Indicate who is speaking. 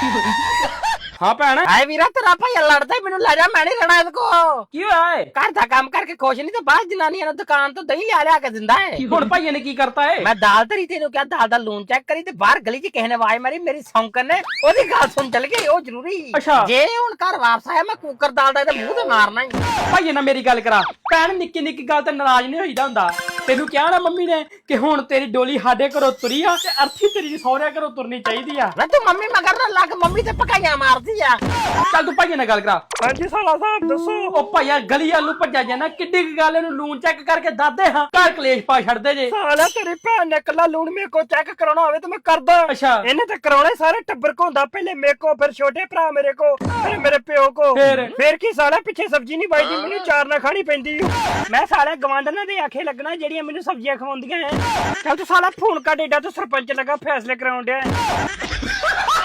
Speaker 1: ਹਾਂ ਭੈਣ
Speaker 2: ਹਾਏ ਵੀਰਾ ਤੇਰਾ ਭਾਈ ਲੜਦਾ ਮੈਨੂੰ ਲੈ ਜਾ ਮੈਂ ਨਹੀਂ ਰਹਿਣਾ ਇਹਦੇ ਕੋ
Speaker 1: ਕੀ ਹੋਇਆ ਏ
Speaker 2: ਘਰ ਦਾ ਕੰਮ ਕਰਕੇ ਖੁਸ਼ ਨਹੀਂ ਤੇ ਬਾਹਰ ਜਨਾਨੀਆਂ ਨੂੰ ਦੁਕਾਨ ਤੋਂ ਦਹੀਂ ਲਿਆ ਕੇ ਦਿੰਦਾ ਹੈ
Speaker 1: ਹੁਣ ਭਾਈਏ ਨੇ ਕੀ ਕਰਤਾ ਏ
Speaker 2: ਮੈਂ ਦਾਲ ਧਰੀ ਤੈਨੂੰ ਕਿਹਾ ਦਾਲ ਦਾ ਲੂਣ ਚੈੱਕ ਕਰੀ ਤੇ ਬਾਹਰ ਗਲੀ 'ਚ ਕਿਸੇ ਨੇ ਆਵਾਜ਼ ਮਾਰੀ ਮੇਰੀ ਸੌਂਕਣ ਨੇ ਉਹਦੀ ਗੱਲ ਸੁਣ ਚੱਲ ਗਈ ਉਹ ਜ਼ਰੂਰੀ
Speaker 1: ਅੱਛਾ।
Speaker 2: ਜੇ ਹੁਣ ਘਰ ਵਾਪਸ ਆਇਆ ਮੈਂ ਕੁੱਕਰ ਦਾਲ ਦਾ ਇਹਦੇ ਮੂੰਹ ਤੇ ਮਾਰਨਾ ਹੀ
Speaker 1: ਭਾਈਏ ਨਾਲ ਮੇਰੀ ਗੱਲ ਕਰਾ ਭੈਣ ਨਿੱਕੀ ਨਿੱਕੀ ਗੱਲ ਤੇ ਨਾਰਾਜ਼ ਨਹੀਂ ਹੋਈਦਾ ਹੁੰਦਾ ਤੈਨੂੰ ਕਿਹਾ ਨਾ ਮੰਮੀ ਨੇ ਕਿ ਹੁਣ ਤੇਰੀ ਡੋਲੀ ਸਾਡੇ ਘਰੋਂ ਤੁਰੀ ਆ ਤੇ ਅਰਥੀ ਤੇਰੀ ਸਹੁਰਿਆਂ ਘਰੋਂ ਤੁਰਨੀ ਚਾਹੀਦੀ ਆ
Speaker 2: ਮੈਂ ਤੂੰ ਮੰਮੀ ਮਗਰ ਨਾ ਲੱਗ ਮੰਮੀ ਤੇ ਪਕਾਈਆਂ ਮਾਰਦੀ ਆ
Speaker 1: ਚੱਲ ਤੂੰ ਭਾਈਏ ਨਾਲ ਗੱਲ ਕਰਾ
Speaker 2: ਹਾਂਜੀ ਸਾਲਾ ਸਾਹਿਬ ਦੱਸੋ
Speaker 1: ਉਹ ਭਾਈਆ ਗਲੀ ਵੱਲ ਨੂੰ ਭੱਜਿਆ ਜਾਣਾ ਕਿੱਡੀ ਕੁ ਗੱਲ ਇਹਨੂੰ ਲੂਣ ਚੈੱਕ ਕਰਕੇ ਦੱਸਦੇ ਹਾਂ ਘਰ ਕਲੇਸ਼ ਪਾ ਛੱਡਦੇ ਜੇ
Speaker 2: ਸਾਲਾ ਤੇਰੀ ਭੈਣ ਨੇ ਕੱਲਾ ਲੂਣ ਮੇਰੇ ਕੋ ਚੈੱਕ ਕਰਾਉਣਾ ਹੋਵੇ ਤਾਂ ਮੈਂ ਕਰਦਾ
Speaker 1: ਅੱਛਾ
Speaker 2: ਇਹਨੇ ਤਾਂ ਕਰਾਉਣਾ ਸਾਰੇ ਟੱਬਰ ਕੋ ਹੁੰਦਾ ਪਹਿਲੇ ਮੇਰੇ ਕੋ ਫਿਰ ਛੋਟੇ ਭਰਾ ਮੇਰੇ ਕੋ ਫਿਰ ਮੇਰੇ ਪਿਓ ਕੋ ਫਿਰ ਕੀ ਸਾਲਾ ਪਿੱਛੇ ਸਬਜ਼ੀ ਨਹੀਂ ਬਾਈਦੀ ਮੈਨੂੰ ਚਾਰ ਨਾ ਖਾਣੀ ਪੈਂਦੀ ਮੈਂ ਸਾਲੇ ਗਵਾਂਢਣਾਂ ਦੇ ਆਖੇ ਲੱਗਣਾ ਜਿਹੜੀਆਂ ਮੈਨੂੰ ਸਬਜ਼ੀਆਂ ਖਵਾਉਂਦੀਆਂ ਐ ਚੱਲ ਤੂੰ ਸਾਲਾ ਫੋਨ ਕੱਢ ਏਡਾ ਤੂੰ ਸਰਪੰਚ ਲੱਗਾ ਫੈਸਲੇ ਕਰਾਉਣ ਡਿਆ